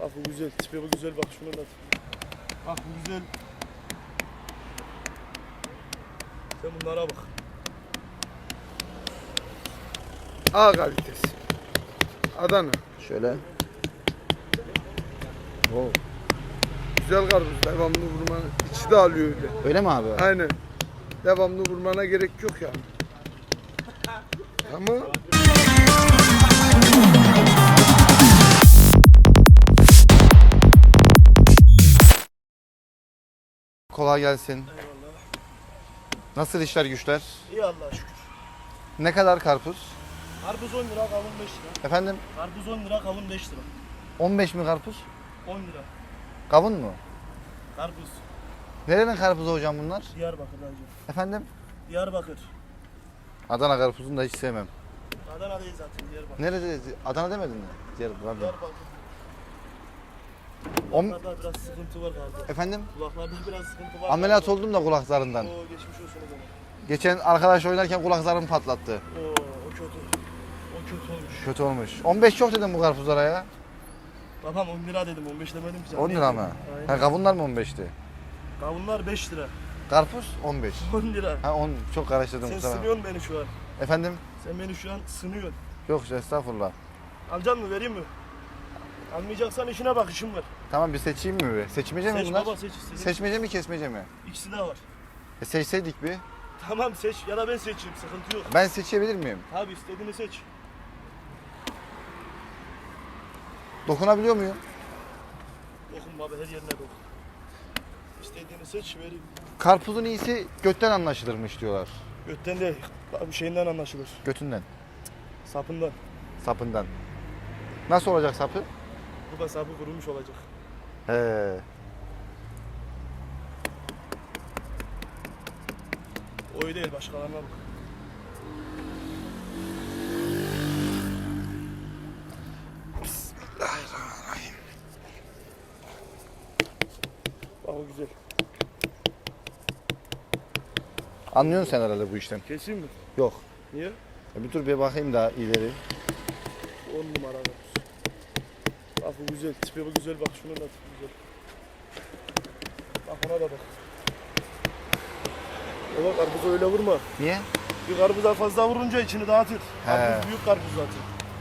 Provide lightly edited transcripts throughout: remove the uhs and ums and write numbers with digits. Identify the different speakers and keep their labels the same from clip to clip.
Speaker 1: Bak bu güzel, tipi bu güzel, bak şuna da. Bak bu güzel. Sen bunlara bak. A kalitesi. Adana.
Speaker 2: Şöyle. Oo.
Speaker 1: Güzel karpuz, devamlı vurmanı. İçi de alıyor öyle.
Speaker 2: Öyle mi abi?
Speaker 1: Aynen. Devamlı vurmana gerek yok yani. Ama
Speaker 2: Kolay gelsin.
Speaker 1: eyvallah.
Speaker 2: Nasıl işler güçler?
Speaker 1: İyi Allah'a şükür.
Speaker 2: Ne kadar karpuz?
Speaker 1: Karpuz 10 lira, kavun 5 lira.
Speaker 2: Efendim?
Speaker 1: Karpuz 10 lira, kavun 5 lira.
Speaker 2: 15 mi karpuz?
Speaker 1: 10 lira.
Speaker 2: Kavun mu?
Speaker 1: Karpuz.
Speaker 2: Nerenin karpuzu hocam bunlar?
Speaker 1: Diyarbakır hacı.
Speaker 2: Efendim?
Speaker 1: Diyarbakır.
Speaker 2: Adana karpuzunu da hiç sevmem.
Speaker 1: Adana değil zaten, Diyarbakır.
Speaker 2: Nerede? Adana demedin mi? Diyarbakır.
Speaker 1: Diyarbakır.
Speaker 2: On-
Speaker 1: Kulaklarda biraz sıkıntı var galiba.
Speaker 2: Efendim?
Speaker 1: Kulaklarda biraz sıkıntı var.
Speaker 2: Ameliyat oldum da kulaklarından.
Speaker 1: Oo, geçmiş olsun o zaman.
Speaker 2: Geçen arkadaş oynarken kulaklarım patlattı.
Speaker 1: Oo, o kötü. O kötü olmuş.
Speaker 2: Kötü olmuş. 15 çok dedim bu karpuzlara ya.
Speaker 1: Babam 10 lira dedim, 15 demedim ki.
Speaker 2: 10 lira mı?
Speaker 1: Aynen.
Speaker 2: Ha, kavunlar mı 15'ti?
Speaker 1: Kavunlar 5 lira.
Speaker 2: Karpuz 15.
Speaker 1: 10 lira.
Speaker 2: Ha 10 çok karıştırdım
Speaker 1: Sen
Speaker 2: kusura.
Speaker 1: sınıyorsun beni şu an.
Speaker 2: Efendim?
Speaker 1: Sen beni şu an sınıyorsun.
Speaker 2: Yok estağfurullah.
Speaker 1: Alacaksın mı, vereyim mi? Almayacaksan işine bak, işim var.
Speaker 2: Tamam bir seçeyim mi bir? Seçmece mi
Speaker 1: Seç
Speaker 2: bunlar?
Speaker 1: baba, seç istediğin.
Speaker 2: Seçmece mi kesmece mi?
Speaker 1: İkisi de var.
Speaker 2: Seçseydik bir.
Speaker 1: Tamam seç ya da ben seçeyim, sıkıntı yok.
Speaker 2: Ben seçebilir miyim?
Speaker 1: Abi istediğini seç.
Speaker 2: Dokunabiliyor muyum?
Speaker 1: Dokun baba, her yerine dokun. İstediğini seç, vereyim.
Speaker 2: Karpuzun iyisi götten anlaşılırmış diyorlar.
Speaker 1: Götten değil, bir şeyinden anlaşılır.
Speaker 2: Götünden,
Speaker 1: Sapından.
Speaker 2: sapından. Nasıl olacak sapı?
Speaker 1: Bu da sapı kurumuş olacak.
Speaker 2: He.
Speaker 1: Oyu değil, başkalarına bak.
Speaker 2: Bismillahirrahmanirrahim.
Speaker 1: Bak o güzel.
Speaker 2: Anlıyorsun sen herhalde bu işten.
Speaker 1: Keseyim mi?
Speaker 2: Yok.
Speaker 1: Niye?
Speaker 2: Bir dur bir bakayım daha ileri.
Speaker 1: 10 numara var. Bak bu güzel, tipi bu güzel, bak şunun da tipi güzel. Bak ona da bak. Baba karpuzu öyle vurma.
Speaker 2: Niye?
Speaker 1: Bir karpuza fazla vurunca içini dağıtır.
Speaker 2: He.
Speaker 1: Karpuz büyük karpuz zaten.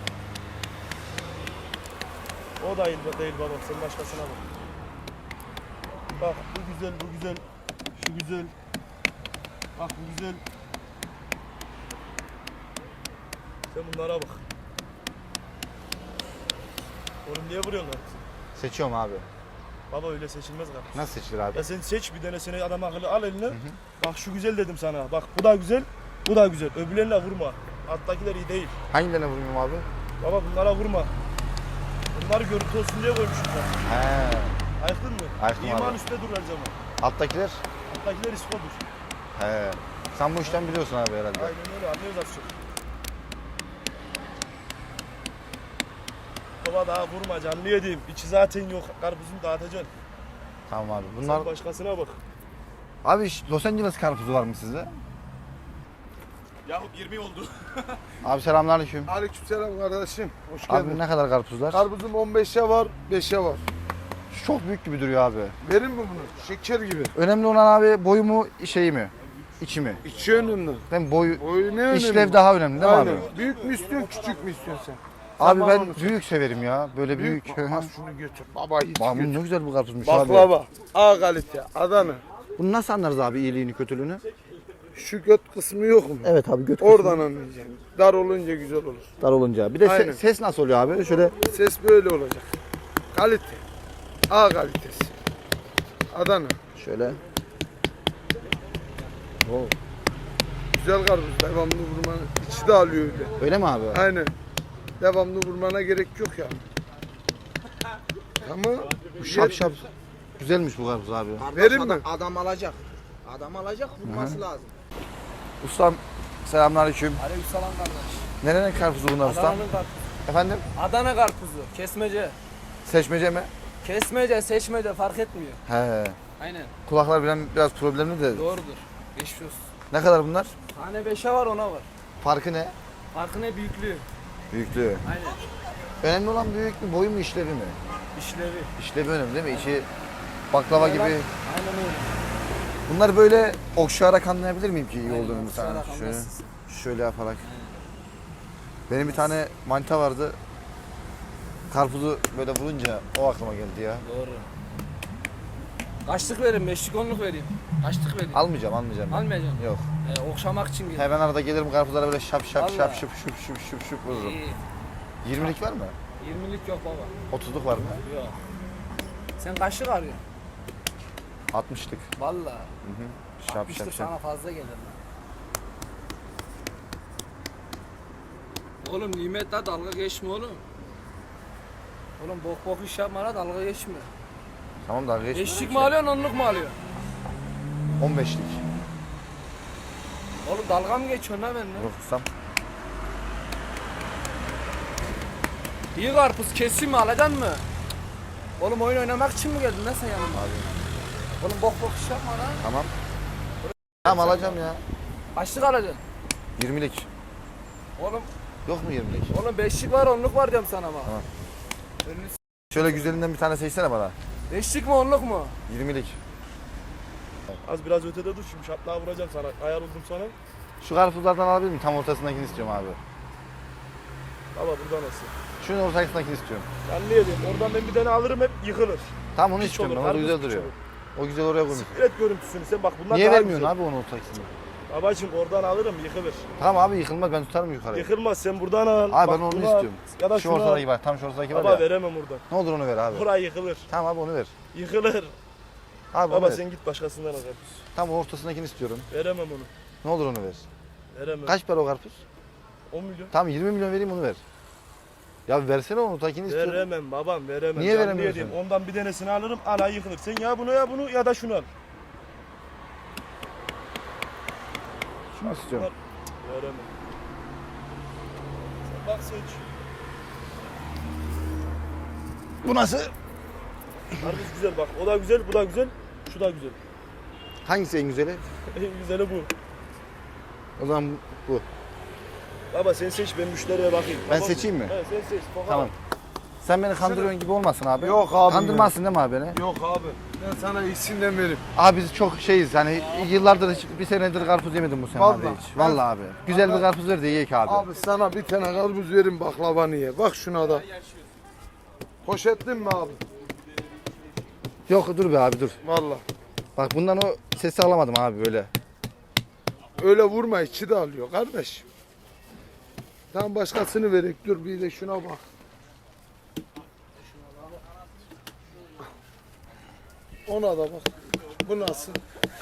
Speaker 1: O da değil baba, sen başkasına bak. Bak bu güzel, bu güzel. Şu güzel. Bak bu güzel. Sen bunlara bak. Oğlum niye vuruyorsun karpuzu?
Speaker 2: Seçiyorum abi.
Speaker 1: Baba öyle seçilmez karpuz.
Speaker 2: Nasıl seçilir abi?
Speaker 1: Ya sen seç bir tanesini, adam akıllı al eline. Bak şu güzel dedim sana. Bak bu da güzel, bu da güzel. Öbürlerine vurma. Alttakiler iyi değil.
Speaker 2: Hangilerine vurayım abi?
Speaker 1: Baba bunlara vurma. Bunları görüntü olsun diye koymuşum ben.
Speaker 2: He.
Speaker 1: Ayıktın mı?
Speaker 2: Ayıktım
Speaker 1: İman
Speaker 2: abi.
Speaker 1: üstte dur her zaman.
Speaker 2: Alttakiler?
Speaker 1: Alttakiler iskodur.
Speaker 2: He. Sen bu işten biliyorsun abi herhalde.
Speaker 1: Aynen öyle, anlıyoruz az çok. Baba daha vurma, canlı yediğim. İçi zaten yok. Karpuzunu dağıtacaksın.
Speaker 2: Tamam abi. Bunlar...
Speaker 1: Sen başkasına bak.
Speaker 2: Abi Los Angeles karpuzu var mı sizde?
Speaker 1: Yahu 20 oldu.
Speaker 2: Abi selamünaleyküm.
Speaker 1: Aleykümselam kardeşim. Hoş
Speaker 2: Abi ne kadar karpuzlar?
Speaker 1: Karpuzum 15'e var, 5'e var.
Speaker 2: Şu çok büyük gibi duruyor abi.
Speaker 1: Verin mi bunu? Şeker gibi.
Speaker 2: Önemli olan abi boyu mu şeyi mi? İçi mi?
Speaker 1: İçi önemli.
Speaker 2: Değil mi? Boyu,
Speaker 1: Boyu ne önemli?
Speaker 2: işlev daha önemli değil mi
Speaker 1: Aynen.
Speaker 2: abi?
Speaker 1: Büyük mü istiyorsun, küçük mü istiyorsun sen?
Speaker 2: Abi
Speaker 1: Sen
Speaker 2: ben
Speaker 1: bana onu
Speaker 2: büyük severim ya. Böyle büyük.
Speaker 1: Bak, al şunu götür. Baba hiç
Speaker 2: Bak bu
Speaker 1: götür.
Speaker 2: ne güzel bu karpuzmuş abi.
Speaker 1: Baklava. A kalite. Adana.
Speaker 2: Bunu nasıl anlarız abi iyiliğini kötülüğünü?
Speaker 1: Şu göt kısmı yok mu?
Speaker 2: Evet abi göt
Speaker 1: Oradan anlayacaksın. Dar olunca güzel olur.
Speaker 2: dar olunca. Bir de
Speaker 1: Aynen.
Speaker 2: ses nasıl oluyor abi? Şöyle
Speaker 1: Ses böyle olacak. Kalite. A kalitesi. Adana.
Speaker 2: şöyle. Oo.
Speaker 1: Güzel karpuz. Devamlı vurmanı. İçi de alıyor öyle.
Speaker 2: Öyle mi abi?
Speaker 1: Aynen. Devamlı vurmana gerek yok yani. Ama
Speaker 2: Bu şap şap. Güzelmiş bu karpuz abi.
Speaker 1: Verin mi?
Speaker 3: Adam alacak. Adam alacak, vurması lazım.
Speaker 2: Ustam selamünaleyküm.
Speaker 3: Aleykümselam kardeş.
Speaker 2: Nerenin karpuzu bunlar ustam?
Speaker 3: Adana'nın karpuzu.
Speaker 2: Efendim?
Speaker 3: Adana karpuzu, kesmece.
Speaker 2: Seçmece mi?
Speaker 3: Kesmece, seçmece fark etmiyor.
Speaker 2: He.
Speaker 3: Aynen,
Speaker 2: Kulaklar biraz problemli de.
Speaker 3: doğrudur. Geçmiş olsun.
Speaker 2: Ne kadar bunlar?
Speaker 3: Tane 5'e var, 10'a var.
Speaker 2: Farkı ne?
Speaker 3: Farkı ne? Büyüklüğü.
Speaker 2: Büyüklüğü.
Speaker 3: Aynen.
Speaker 2: Önemli olan büyük mü, boyu mu, işlevi mi?
Speaker 3: İşlevi.
Speaker 2: İşlevi önemli değil mi? İçi baklava gibi.
Speaker 3: Aynen öyle.
Speaker 2: Bunlar böyle okşayarak anlayabilir miyim ki iyi
Speaker 3: Aynen,
Speaker 2: olduğunu mesela?
Speaker 3: okşayarak
Speaker 2: Şöyle,
Speaker 3: anlarsın.
Speaker 2: şöyle yaparak. Benim bir tane manita vardı. Karpuzu böyle vurunca o aklıma geldi ya.
Speaker 3: Doğru. Kaçlık vereyim, beşlik onluk vereyim. Kaçlık vereyim.
Speaker 2: Almayacağım.
Speaker 3: Almayacağım.
Speaker 2: Yok.
Speaker 3: Okşamak için gel.
Speaker 2: Hemen arada gelirim karpuzlara böyle şap şap
Speaker 3: Vallahi.
Speaker 2: şap şıp şıp şıp şıp şıp vururum.
Speaker 3: İyi.
Speaker 2: 20'lik var mı?
Speaker 3: 20'lik yok baba.
Speaker 2: 30'luk var mı?
Speaker 3: Yok. Sen kaçlık arıyorsun?
Speaker 2: 60'lık.
Speaker 3: Vallahi.
Speaker 2: Şap
Speaker 3: 60'lık
Speaker 2: şap şap.
Speaker 3: sana fazla gelir lan. Oğlum nimetle dalga geçme oğlum. Oğlum bok bok iş yapma la, dalga geçme.
Speaker 2: Tamam dalga geçme.
Speaker 3: Beşlik mi alıyorsun, onluk mu alıyorsun?
Speaker 2: 15'lik.
Speaker 3: Oğlum dalga mı geçiyorsun la benimle?
Speaker 2: Vurursam.
Speaker 3: İyi karpuz keseyim mi, alacaksın mı? Oğlum oyun oynamak için mi geldin lan sen yanıma? Oğlum bok bok iş yapma lan.
Speaker 2: Tamam. Tamam alacağım ya.
Speaker 3: Kaçlık alacaksın?
Speaker 2: 20'lik.
Speaker 3: Oğlum,
Speaker 2: Yok mu 20'lik?
Speaker 3: oğlum beşlik var, onluk var diyorum sana ama.
Speaker 2: Tamam.
Speaker 3: Önünü s-
Speaker 2: Şöyle güzelinden bir tane seçsene bana.
Speaker 3: Beşlik mi, onluk mu?
Speaker 2: 20'lik.
Speaker 1: Az biraz ötede dur şimdi şaplığa vuracağım sana. Ayar oldum sana.
Speaker 2: Şu karpuzlardan alabilir miyim? Tam ortasındakini istiyorum abi.
Speaker 1: Baba burada nasıl?
Speaker 2: Şunun ortasındakini istiyorum.
Speaker 1: Ben ne diyeyim? Oradan ben bir tane alırım hep yıkılır.
Speaker 2: Tam onu
Speaker 1: Piç
Speaker 2: istiyorum
Speaker 1: olur,
Speaker 2: ben. O da
Speaker 1: karpuz
Speaker 2: güzel
Speaker 1: piç
Speaker 2: duruyor.
Speaker 1: olur.
Speaker 2: O güzel oraya koymuş.
Speaker 1: Evet görüntüsünü sen bak bunlar
Speaker 2: Niye
Speaker 1: daha
Speaker 2: vermiyorsun
Speaker 1: güzel.
Speaker 2: abi onun ortasını?
Speaker 1: Babacım oradan alırım yıkılır.
Speaker 2: Tamam abi yıkılmaz ben tutarım yukarıya.
Speaker 1: Yıkılmaz sen buradan al.
Speaker 2: Abi
Speaker 1: Bak
Speaker 2: ben onu
Speaker 1: bunu al.
Speaker 2: istiyorum.
Speaker 1: Ya da
Speaker 2: Şu
Speaker 1: şunu al.
Speaker 2: ortadaki var. Tam şu ortadaki var
Speaker 1: Baba
Speaker 2: ya.
Speaker 1: veremem oradan.
Speaker 2: Ne olur onu ver abi.
Speaker 1: Buraya yıkılır.
Speaker 2: Tamam abi onu ver.
Speaker 1: Yıkılır.
Speaker 2: Abi onu
Speaker 1: Baba
Speaker 2: ver.
Speaker 1: sen git başkasından al karpuz.
Speaker 2: Tam ortasındakini istiyorum.
Speaker 1: Veremem onu.
Speaker 2: Ne olur onu ver.
Speaker 1: Veremem.
Speaker 2: Kaç para o karpuz?
Speaker 1: 10 milyon.
Speaker 2: Tamam 20 milyon vereyim onu ver. Ya versene onu ortakini istiyorum.
Speaker 1: Veremem babam veremem.
Speaker 2: Niye
Speaker 1: Canlı
Speaker 2: veremiyorsun?
Speaker 1: yediğim. Ondan bir tanesini alırım ana yıkılır. Sen ya bunu ya bunu ya da şunu al.
Speaker 2: Şunu istiyorum.
Speaker 1: Veremem. Sen bak seç.
Speaker 2: Bu nasıl?
Speaker 1: Karpuz güzel bak. O da güzel, bu da güzel. Şu da güzel.
Speaker 2: Hangisi en güzeli?
Speaker 1: En güzeli bu.
Speaker 2: O zaman bu.
Speaker 1: Baba sen seç ben müşteriye bakayım.
Speaker 2: Ben
Speaker 1: Tamam
Speaker 2: seçeyim mi?
Speaker 1: Evet sen seç. Bakalım.
Speaker 2: Tamam. Sen beni kandırıyorsun gibi olmasın abi.
Speaker 4: Yok abi
Speaker 2: Kandırmazsın değil mi abi beni?
Speaker 4: Yok abi. Ben sana iyisinden veririm.
Speaker 2: Abi biz çok şeyiz yani yıllardır hiç, bir senedir karpuz yemedim bu sene abi
Speaker 4: Vallahi.
Speaker 2: hiç. Vallahi abi. Güzel bir karpuz ver de yiyek abi.
Speaker 4: Abi sana bir tane karpuz verin baklavanı ye. Bak şuna da. Poşetli mi abi?
Speaker 2: Yok dur be abi dur.
Speaker 4: Vallahi.
Speaker 2: Bak bundan o sesi alamadım abi böyle.
Speaker 4: Öyle vurma içi de alıyor kardeş. Tam başkasını verek dur bir de şuna bak. Ona da bak. Bu nasıl?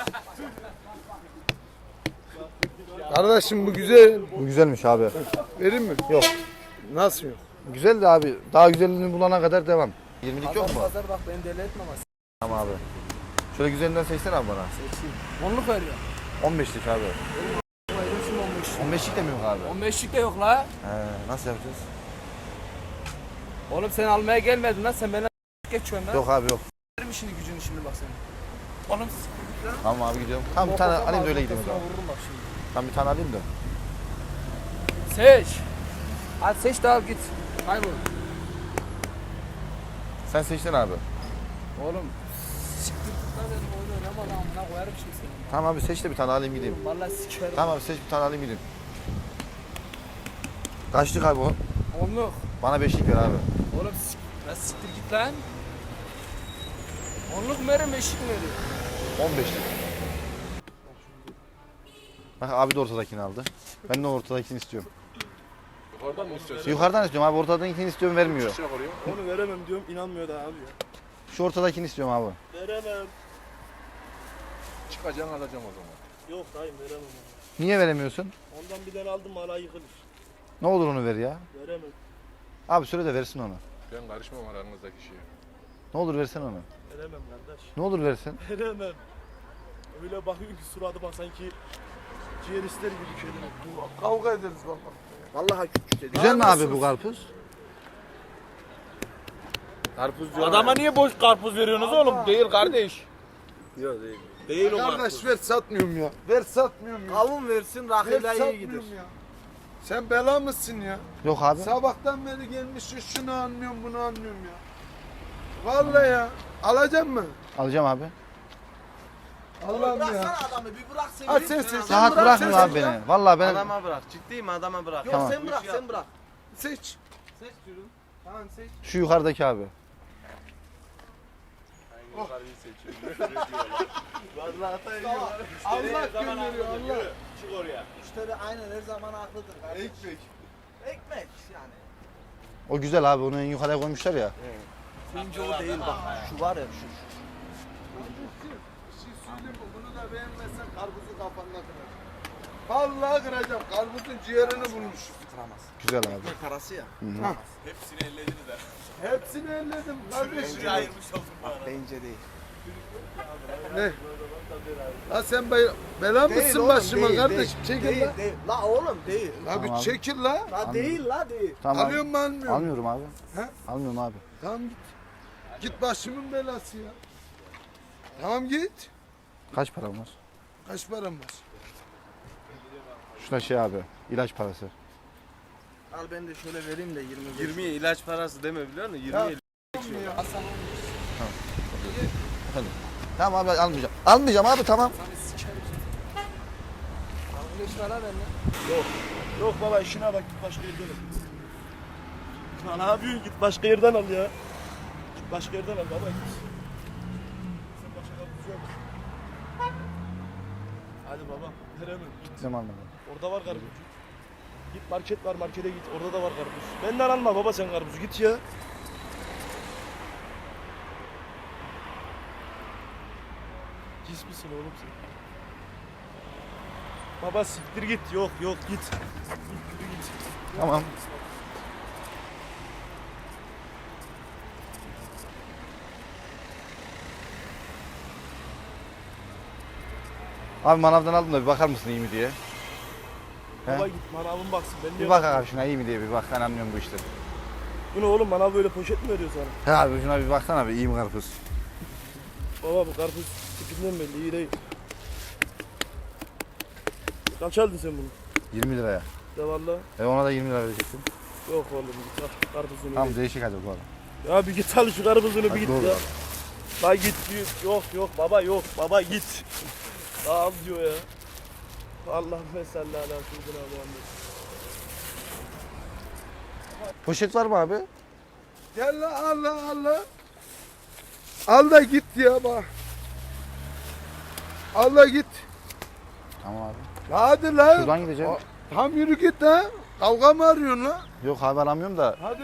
Speaker 4: Kardeşim bu güzel.
Speaker 2: Bu güzelmiş abi.
Speaker 4: Verin mi?
Speaker 2: Yok.
Speaker 4: Nasıl yok?
Speaker 2: Güzel de abi. Daha güzelini bulana kadar devam. 20'lik yok mu?
Speaker 3: Pazar bak beni deli etme ama.
Speaker 2: Tamam abi. Şöyle güzelinden seçsene abi bana.
Speaker 3: Seçeyim. Onluk veriyor.
Speaker 2: 15'lik abi.
Speaker 3: Verirsin 15.
Speaker 2: 15'lik de mi yok abi?
Speaker 3: 15'lik de yok la.
Speaker 2: Nasıl yapacağız?
Speaker 3: Oğlum sen almaya gelmedin lan, sen beni geçiyorsun lan.
Speaker 2: Yok abi yok.
Speaker 3: Verim işini gücünü şimdi bak senin. Oğlum
Speaker 2: Tamam abi gidiyorum. Tamam bir tane alayım da öyle gideyim o zaman.
Speaker 3: Vururum bak şimdi.
Speaker 2: Tamam bir tane alayım da.
Speaker 3: Seç. Hadi seç de al git. Kaybol.
Speaker 2: Sen seçtin abi.
Speaker 3: Oğlum. Siktir git lan, benim oyun oynama lan, amına koyarım şimdi seni.
Speaker 2: Tamam abi seç de bir tane alayım gideyim.
Speaker 3: Vallahi sikerim.
Speaker 2: Tamam abi seç bir tane alayım gideyim. Kaçlık abi o?
Speaker 3: Onluk.
Speaker 2: Bana 5'lik ver abi.
Speaker 3: Oğlum lan siktir git lan. Onluk mu verim, beşlik mi veriyor?
Speaker 2: 15'lik. Bak abi de ortadakini aldı. Ben de ortadakini istiyorum.
Speaker 5: Yukarıdan mı istiyorsun?
Speaker 2: Yukarıdan istiyorum abi. Ortadakini istiyorum vermiyor.
Speaker 5: Şey yapıyor.
Speaker 1: Onu veremem diyorum inanmıyor da abi ya.
Speaker 2: Şu ortadakini istiyorum abi.
Speaker 1: Veremem.
Speaker 5: Çıkacaksın alacağım o zaman.
Speaker 1: Yok dayım veremem onu.
Speaker 2: Niye veremiyorsun?
Speaker 1: Ondan bir tane aldım hala yıkılır.
Speaker 2: Ne olur onu ver ya.
Speaker 1: Veremem.
Speaker 2: Abi söyle de versin onu.
Speaker 5: Ben karışmam aranızdaki şeye.
Speaker 2: Ne olur versen onu.
Speaker 1: Veremem kardeş.
Speaker 2: Ne olur versin.
Speaker 1: Veremem. Öyle bakıyor ki suratıma sanki ciğer ister gibi şeyler.
Speaker 4: Kavga ederiz baba.
Speaker 1: Vallahi küçük dedi.
Speaker 2: Güzel mi abi bu karpuz?
Speaker 6: Adama niye boş karpuz veriyorsunuz oğlum? Değil kardeş.
Speaker 1: Değil o
Speaker 4: Kardeş ver satmıyorum ya. Ver satmıyorum ya.
Speaker 3: Kavun versin,
Speaker 4: Ver
Speaker 3: rakıyla iyi gider.
Speaker 4: satmıyorum ya. Sen bela mısın ya?
Speaker 2: Yok abi.
Speaker 4: Sabahtan beri gelmişsin şunu anlıyorum bunu anlıyorum ya. Vallahi ya. Alacak mı?
Speaker 2: Alacağım abi.
Speaker 4: Allah'ım ya.
Speaker 1: adamı bir bırak sen.
Speaker 4: Hadi sen seç.
Speaker 2: Rahat bırakmıyor abi beni. Vallahi ben
Speaker 1: Adama bırak. Ciddiyim adama bırak. Yok
Speaker 2: Tamam.
Speaker 1: sen bırak sen bırak.
Speaker 4: Seç.
Speaker 1: Seç diyorum. Tamam seç.
Speaker 2: şu yukarıdaki abi.
Speaker 1: Vallahi hata
Speaker 4: Allah gönderiyor Allah.
Speaker 1: Çık oraya. Müşteri aynen her zaman haklıdır. Ekmek. Ekmek yani.
Speaker 2: O güzel abi, onu en yukarıya koymuşlar ya.
Speaker 1: Önce o değil bak. Şu var ya şu.
Speaker 4: Bir şey söyleyeyim mi? Bunu da beğenmezsen karpuzu kafanına kıracağım. Vallahi kıracağım. Karpuzun ciğerini bulmuşum.
Speaker 1: Kıramaz.
Speaker 2: Güzel abi.
Speaker 1: Ekmek parası ya.
Speaker 5: Hepsini ellediniz ha.
Speaker 4: Hepsini elledim kardeşim.
Speaker 1: Bence değil.
Speaker 4: Ne? La sen bela mısın başıma kardeşim? Çekil
Speaker 1: değil,
Speaker 4: la.
Speaker 1: Değil. La oğlum değil.
Speaker 4: La
Speaker 2: Tamam
Speaker 4: bir
Speaker 2: abi.
Speaker 4: çekil la.
Speaker 1: La değil la değil.
Speaker 2: Tamam.
Speaker 4: Alıyor mu almıyor mu?
Speaker 2: Almıyorum abi.
Speaker 4: He?
Speaker 2: Almıyorum abi.
Speaker 4: Tamam git. Git başımın belası ya. Tamam git.
Speaker 2: Kaç param var?
Speaker 4: Kaç param var?
Speaker 2: Şuna şey abi, ilaç parası.
Speaker 1: Al ben de şöyle vereyim de 20.
Speaker 6: 20'ye ilaç parası deme biliyor musun? 20'ye
Speaker 4: Ya.
Speaker 2: Tamam abi, almayacağım. Almayacağım abi, tamam.
Speaker 1: Yok baba işine bak git başka yerden al. Ne yapıyorsun git başka yerden al ya. Git başka yerden al baba git. Sen başka kapısı yok. Hadi baba veremem git.
Speaker 2: Gittim almadım.
Speaker 1: Orada var karpuz. Git market var markete git orada da var karpuz. Benden alma baba sen karpuzu git ya. Pis misin oğlum sen? Baba siktir git yok git. Siktir git.
Speaker 2: Tamam. Abi manavdan aldım da bir bakar mısın iyi mi diye.
Speaker 1: Baba
Speaker 2: He?
Speaker 1: git manavın baksın. Ben
Speaker 2: Bir
Speaker 1: niye
Speaker 2: bak abi şuna iyi mi diye bir bak, ben anlıyorum bu işleri.
Speaker 1: Bu ne oğlum manav böyle poşet mi veriyor sana?
Speaker 2: He abi şuna bir baksana bir, iyi mi karpuz?
Speaker 1: Baba bu karpuz tipinden belli iyi değil. Kaç aldın sen bunu?
Speaker 2: 20 liraya.
Speaker 1: De valla.
Speaker 2: Ona da 20 lira verecektim.
Speaker 1: Yok oğlum git al karpuzunu.
Speaker 2: Tamam
Speaker 1: Git.
Speaker 2: değişik hadi bu arada.
Speaker 1: Ya bir git al şu karpuzunu bir
Speaker 2: Hadi
Speaker 1: git
Speaker 2: doğru
Speaker 1: ya.
Speaker 2: abi.
Speaker 1: La git yok baba git. La al diyor ya. Allah mesela ala seyyidina Muhammed.
Speaker 2: Poşet var mı abi?
Speaker 4: Gel la Allah. Al da git ya bak. Al da git.
Speaker 2: Tamam abi.
Speaker 4: La hadi la.
Speaker 2: Şuradan gideceğim.
Speaker 4: Tam yürü git ha. Kavga mı arıyorsun la?
Speaker 2: Yok abi alamıyorum da.
Speaker 4: Hadi.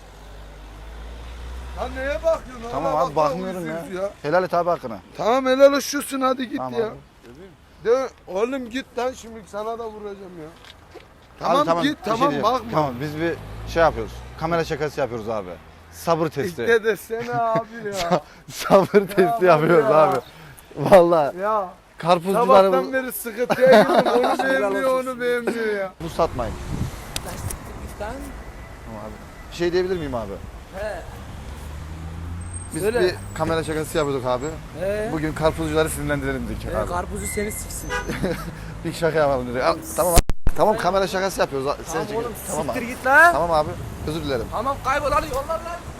Speaker 4: Lan neye bakıyorsun?
Speaker 2: Tamam
Speaker 4: Allah
Speaker 2: abi
Speaker 4: bak,
Speaker 2: bakmıyorum
Speaker 4: uyuz
Speaker 2: ya. Helal et abi hakkını.
Speaker 4: Tamam helal olsun hadi git
Speaker 2: Tamam
Speaker 4: ya.
Speaker 2: abi.
Speaker 4: De, oğlum git lan şimdi sana da vuracağım ya.
Speaker 2: Abi
Speaker 4: Tamam git
Speaker 2: bir şey
Speaker 4: tamam
Speaker 2: diyeceğim.
Speaker 4: bakma.
Speaker 2: Tamam biz bir şey yapıyoruz. Kamera şakası yapıyoruz abi. Sabır testi.
Speaker 4: İşte desene abi ya.
Speaker 2: Sabır testi yapıyoruz
Speaker 4: ya.
Speaker 2: abi. Vallahi
Speaker 4: ya
Speaker 2: karpuzcuları
Speaker 4: sabahtan beri sıkıntıya girdim. Onu beğenmiyor onu beğenmiyor ya.
Speaker 2: bu satmayın.
Speaker 3: Lastiklikten.
Speaker 2: Tamam abi. Bir şey diyebilir miyim abi?
Speaker 3: He.
Speaker 2: Biz
Speaker 3: Söyle.
Speaker 2: bir kamera şakası yapıyorduk abi.
Speaker 3: He.
Speaker 2: Bugün karpuzcuları sinirlendirelim dedik abi.
Speaker 3: Karpuzu seni siksin.
Speaker 2: Bir şaka yapalım dedik. Tamam abi. Tamam kamera şakası yapıyoruz. Sen
Speaker 3: Tamam
Speaker 2: çekin.
Speaker 3: oğlum
Speaker 2: Tamam
Speaker 3: siktir
Speaker 2: abi.
Speaker 3: git lan.
Speaker 2: Tamam abi. Özür dilerim.
Speaker 3: Tamam kaybol hadi yollar lan.